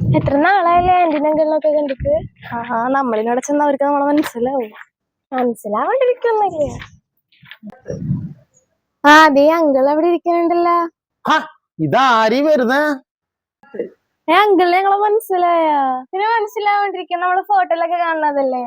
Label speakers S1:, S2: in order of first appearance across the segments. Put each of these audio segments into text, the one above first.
S1: എത്ര നാളായല്ലേ ആന്റിനെ അങ്കിളിനൊക്കെ കണ്ടിട്ട്?
S2: നമ്മളിനോട് ചെന്ന് അവർക്ക് നമ്മളെ മനസ്സിലാവും.
S1: മനസ്സിലാവാണ്ടിരിക്കൊന്നുമില്ല. അതേ അങ്കിൾ അവിടെ ഇരിക്കുന്നുണ്ടല്ലോ.
S3: ഇതാരീ വരുന്നേ?
S1: അങ്കിളിനെ ഞങ്ങളെ മനസ്സിലായ? പിന്നെ മനസ്സിലാവാണ്ടിരിക്കും, നമ്മള് ഫോട്ടോയിലൊക്കെ കാണുന്നതല്ലേ.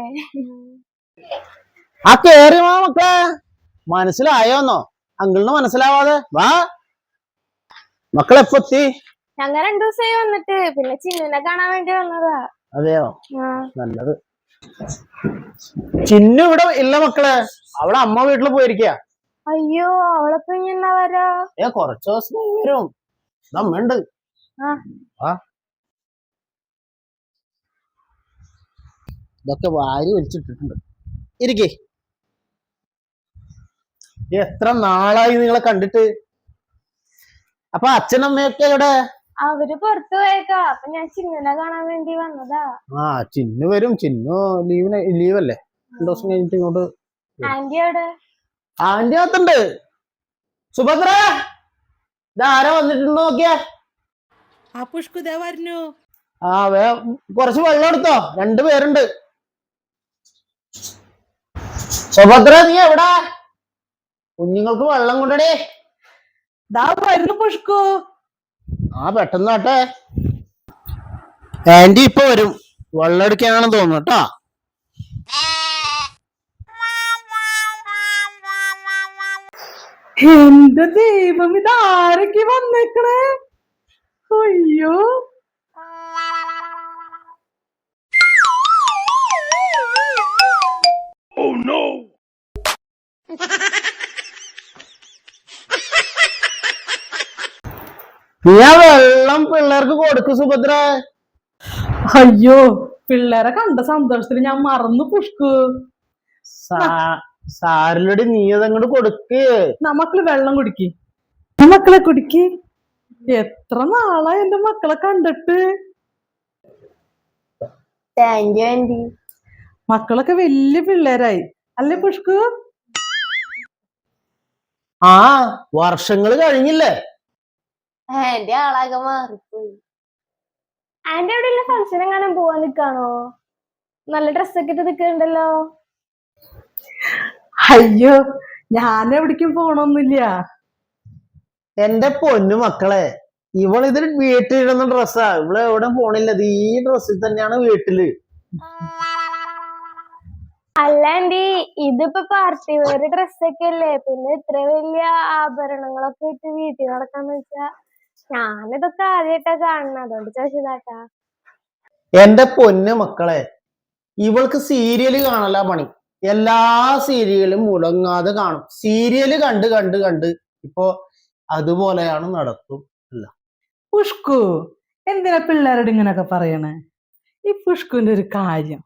S3: കേറി വാ മക്കളെ. മനസ്സിലായോന്നോ? അങ്കിളിന് മനസ്സിലാവാതെ വാ. മക്കളെപ്പോ എത്തി?
S1: ഞങ്ങൾ 2 ദിവസമായി വന്നിട്ട്, പിന്നെ ചിന്നുനെ കാണാൻ വേണ്ടി വന്നതാ.
S3: അതെയോ? നല്ലത്. ചിന്നു ഇവിടെ ഇല്ല മക്കളെ, അവളെ അമ്മ വീട്ടിൽ പോയിരിക്ക.
S1: അയ്യോ, അവളെപ്പോ ഇനി എന്നാ വരാ?
S3: കുറച്ചു ദിവസം വരും. അമ്മയുണ്ട്. ഇതൊക്കെ വാരി വലിച്ചിട്ടിട്ടുണ്ട്. ഇരിക്കേ. എത്ര നാളായി നിങ്ങളെ കണ്ടിട്ട്. അപ്പൊ അച്ഛനമ്മയൊക്കെ എവിടെ?
S1: അവര് പുറത്തു പോയേക്കാ. അപ്പൊ ഞാൻ ചിന്നുനെ കാണാൻ വേണ്ടി വന്നതാ.
S3: ചിന്നു വരും. ചിന്നു ലീവല്ലേ, 2 ദിവസം കഴിഞ്ഞിട്ട് ഇങ്ങോട്ട്.
S1: ആന്റി എവിടെ?
S3: ആന്റി അകത്തുണ്ട്. സുഭദ്ര, ഇതാരാ വന്നിട്ടുണ്ടോ നോക്കിയാ.
S4: പുഷ്കുദേവരുന്നു.
S3: കുറച്ച് വെള്ളം എടുത്തോ, 2 പേരുണ്ട്. സുഭദ്ര, നീ എവിടാ? കുഞ്ഞുങ്ങൾക്ക് വെള്ളം കൊണ്ടടേ.
S4: വരുന്നു പുഷ്കു.
S3: പെട്ടെന്നാട്ടെ. ആന്റി ഇപ്പൊ വരും. വെള്ളം എടുക്കാനാണെന്ന് തോന്നുന്നു കേട്ടോ.
S4: എന്റെ ദൈവം, ഇതാരൊക്കെ വന്നേക്കണേ. അയ്യോ,
S3: നീ വെള്ളം പിള്ളേർക്ക് കൊടുക്കു സുഭദ്ര.
S4: അയ്യോ, പിള്ളേരെ കണ്ട സന്തോഷത്തിൽ ഞാൻ മറന്നു പുഷ്കു.
S3: സാരിലടി നീ അതങ്ങോട്ട് കൊടുക്ക്.
S4: മക്കള് വെള്ളം കുടിക്ക്. മക്കളെ കുടിക്ക്. എത്ര നാളാ എന്റെ മക്കളെ കണ്ടിട്ട്.
S1: Thank you aunty.
S4: മക്കളൊക്കെ വലിയ പിള്ളേരായി അല്ലേ പുഷ്കു?
S3: വർഷങ്ങള് കഴിഞ്ഞില്ലേ.
S1: ആന്റി ആളാകെ മാറിപ്പോയി. ആന്റി എവിടെയുള്ള ഫംഗ്ഷൻ എങ്ങാനും പോവാൻ നിക്കാണോ? നല്ല ഡ്രസ്സൊക്കെ ഇട്ട് നിൽക്കുന്നുണ്ടല്ലോ.
S4: അയ്യോ, ഞാൻ എവിടേക്കും പോണൊന്നുമില്ല.
S3: എന്റെ പൊന്നു മക്കളെ, ഇവളിതിൽ വീട്ടിലിടുന്ന ഡ്രസ്സാ. ഇവള് എവിടെ പോണില്ല. ഈ ഡ്രസ്സിൽ തന്നെയാണ് വീട്ടില്.
S1: അല്ല ആന്റി, ഇതിപ്പോ പാർട്ടി വെയർ ഡ്രസ്സൊക്കെ അല്ലേ, പിന്നെ ഇത്ര വലിയ ആഭരണങ്ങളൊക്കെ ഇട്ട് വീട്ടിൽ നടക്കാന്ന് വെച്ചാ ഞാനിതൊക്കെ ആദ്യമായിട്ടാ കാണുന്നത്, അതുകൊണ്ട് ചോദിച്ചതാട്ടാ.
S3: എന്റെ പൊന്നു മക്കളെ, ഇവൾക്ക് സീരിയല് കാണല പണി. എല്ലാ സീരിയലും മുടങ്ങാതെ കാണും. സീരിയല് കണ്ട് കണ്ട് കണ്ട് ഇപ്പൊ അതുപോലെയാണ് നടത്തും. അല്ല
S4: പുഷ്കു, എന്തിനാ പിള്ളേരോട് ഇങ്ങനൊക്കെ പറയണേ? ഈ പുഷ്കുവിന്റെ ഒരു കാര്യം.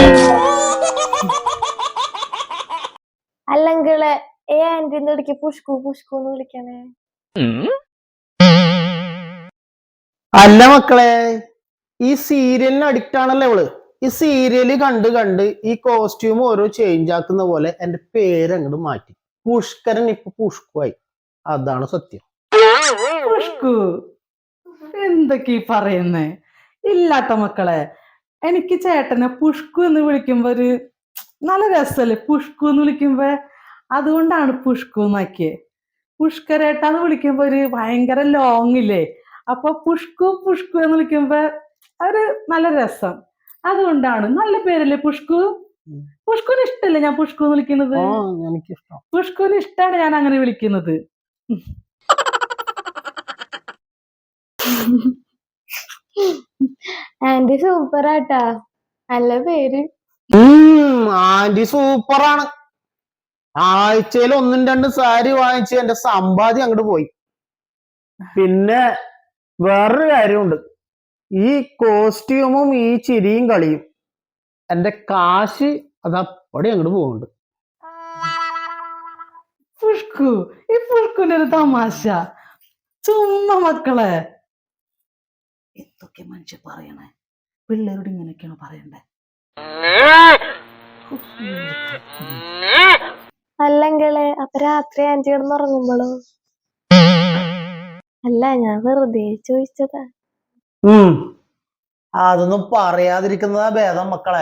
S1: അല്ലെങ്കില് ആന്റിന്റെ ഇടയ്ക്ക് പുഷ്കു പുഷ്കു എന്ന് വിളിക്കണേ.
S3: അല്ല മക്കളെ, ഈ സീരിയലിന് അഡിക്റ്റ് ആണല്ലോ ഇവള്. ഈ സീരിയല് കണ്ട് കണ്ട് ഈ കോസ്റ്റ്യൂം ഓരോ ചേഞ്ച് ആക്കുന്ന പോലെ എന്റെ പേര് അങ്ങോട്ട് മാറ്റി. പുഷ്കരൻ ഇപ്പൊ പുഷ്കുവായി. അതാണ് സത്യം.
S4: പുഷ്കു, എന്തൊക്കെ പറയുന്നേ? ഇല്ലാത്ത മക്കളെ, എനിക്ക് ചേട്ടനെ പുഷ്കു എന്ന് വിളിക്കുമ്പോ ഒരു നല്ല രസല്ലേ പുഷ്കു എന്ന് വിളിക്കുമ്പോ. അതുകൊണ്ടാണ് പുഷ്കു എന്നാക്കിയേ. പുഷ്കരേട്ടാന്ന് വിളിക്കുമ്പോ ഒരു ഭയങ്കര ലോങ് ഇല്ലേ, അപ്പൊ പുഷ്കു പുഷ്കു എന്ന് വിളിക്കുമ്പോ ഒരു നല്ല രസം. അതുകൊണ്ടാണ്. നല്ല പേരല്ലേ പുഷ്കു? പുഷ്കുവിന് ഇഷ്ടല്ലേ ഞാൻ പുഷ്കു എന്ന് വിളിക്കുന്നത്? പുഷ്കുവിന് ഇഷ്ടമാണ് ഞാൻ അങ്ങനെ വിളിക്കുന്നത്.
S1: ആന്റി സൂപ്പറാട്ടാ, നല്ല പേര്.
S3: ആന്റി സൂപ്പറാണ്. ആഴ്ചയിൽ 1-2 സാരി വാങ്ങിച്ച് എന്റെ സമ്പാദ്യം അങ്ങോട്ട് പോയി. പിന്നെ വേറൊരു കാര്യമുണ്ട്. ഈ കോസ്റ്റ്യൂമും ഈ ചിരിയും കളിയും എന്റെ കാശ് അതപ്പടി അങ്ങോട്ട് പോകുന്നുണ്ട്.
S4: പുഷ്കു, ഈ പുഷ്കുവിന്റെ ഒരു തമാശ ചുമ്മാ. മക്കളെ, എന്തൊക്കെ മനുഷ്യർ പറയണേ? പിള്ളേരോട് ഇങ്ങനെയൊക്കെയാണ് പറയണ്ടേ?
S1: അല്ലെങ്കില് അപ്പൊ രാത്രി ആന്റി കിടന്നുറങ്ങുമ്പോളോ? അല്ല, ഞാൻ വെറുതെ ചോദിച്ചതാ.
S3: അതൊന്നും പറയാതിരിക്കുന്നതാ ഭേദം മക്കളെ.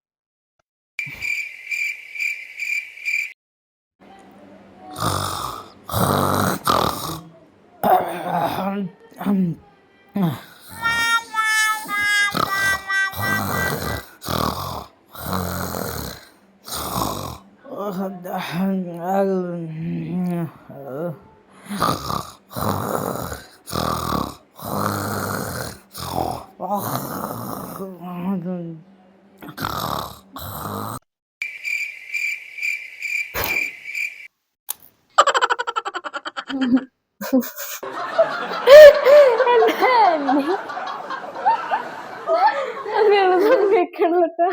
S1: എന്റെ ആന്റി അങ്ങനെ സമ്മതിക്കണം കേട്ടോ.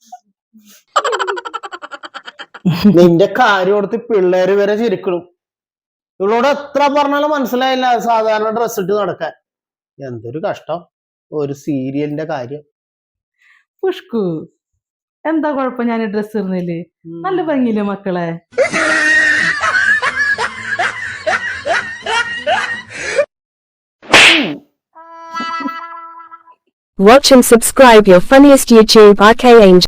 S3: നിന്റെ കാര്യം ഓർത്ത് പിള്ളേര് വരെ ചിരിക്കണം. ഇവളോട് എത്ര പറഞ്ഞാലും മനസ്സിലായില്ല സാധാരണ ഡ്രസ് ഇട്ട് നടക്കാൻ. എന്തൊരു കഷ്ടം. ഒരു സീരിയലിന്റെ കാര്യം.
S4: പുഷ്കു, എന്താ കുഴപ്പം ഞാൻ ഡ്രസ് ഇടുന്നില്ലേ? നല്ല ഭംഗിയില്ലേ മക്കളെ?
S5: Watch and subscribe your funniest YouTube RK Angel.